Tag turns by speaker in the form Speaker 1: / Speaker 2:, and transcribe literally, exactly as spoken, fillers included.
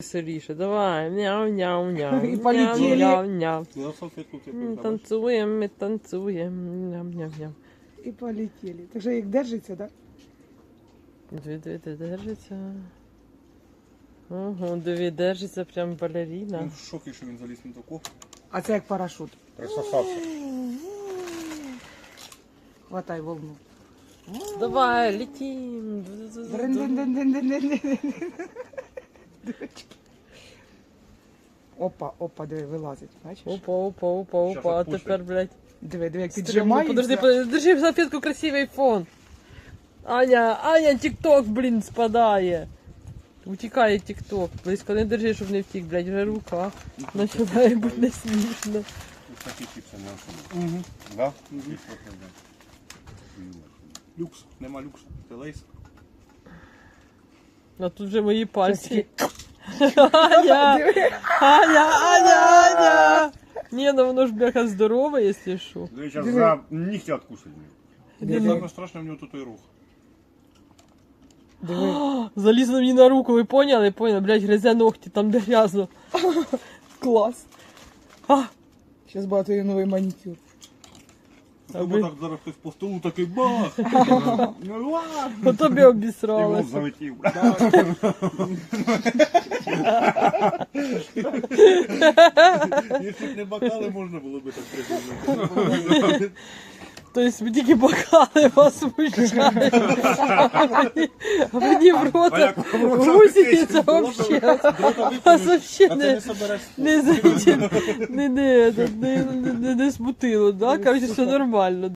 Speaker 1: веселіше. Давай, мяу-няу-няу.
Speaker 2: І полетіли.
Speaker 1: Мяу-няу-няу.
Speaker 3: Я салфетку тебе
Speaker 1: М,
Speaker 3: придам.
Speaker 1: Танцюємо, ми танцюємо. Ням-ням-ням.
Speaker 2: І полетіли. Так що як держиться, так?
Speaker 1: Дві, дві, дві, держиться. Ого, дві, держиться прям балеріна.
Speaker 3: Він в шокі, що він заліз на таку.
Speaker 2: А це як парашут.
Speaker 3: Присосався.
Speaker 2: Хватай волну.
Speaker 1: Давай, летим.
Speaker 2: Дрин-дин-дин-дин-дин-дин-дин. Опа, опа, диви, вилазить, бачиш?
Speaker 1: Опа, опа, опа, опа, а
Speaker 3: Щас
Speaker 1: тепер, блядь.
Speaker 2: Диви, диви, як
Speaker 1: Стрімно.
Speaker 2: піджимається.
Speaker 1: Подожди, подожди, держи салфетку, красивий фон. Аня, Аня, тік-ток, блін, спадає. Утікає тік-ток. Близько не держи, щоб не втік, блядь, вже рука. Починає бути не смішно.
Speaker 3: Ось такі чіпси не особо. Угу. Да? Угу. Люкс. Нема люксу. Це лейс.
Speaker 1: А тут вже мої пальці. Аня, Аня, Аня, Аня. Ні, ну воно ж, бляха, здорове, якщо що.
Speaker 3: Ви зараз за нігті откусить.
Speaker 2: Диви.
Speaker 3: Саме страшне в нього тут той рух.
Speaker 2: Диви.
Speaker 1: Залізла мені на руку, ви поняли? Поняли, блядь, гризе ногті, там де грязно.
Speaker 2: Клас.
Speaker 1: А,
Speaker 2: Зараз багато є новий манікюр.
Speaker 3: Або так зараз хтось по столу такий бах. Ну ладно.
Speaker 1: по тобі
Speaker 3: І в
Speaker 1: обісралася.
Speaker 3: лоб залетів. Якщо б не бокали, можна було би так придумати.
Speaker 1: Тобто тільки бокали вас смущають. А мені- А мені в рота гусі це взагалі. А взагалі не... Не, не, не, не, не, не, не смутило, да? Короче, все нормально.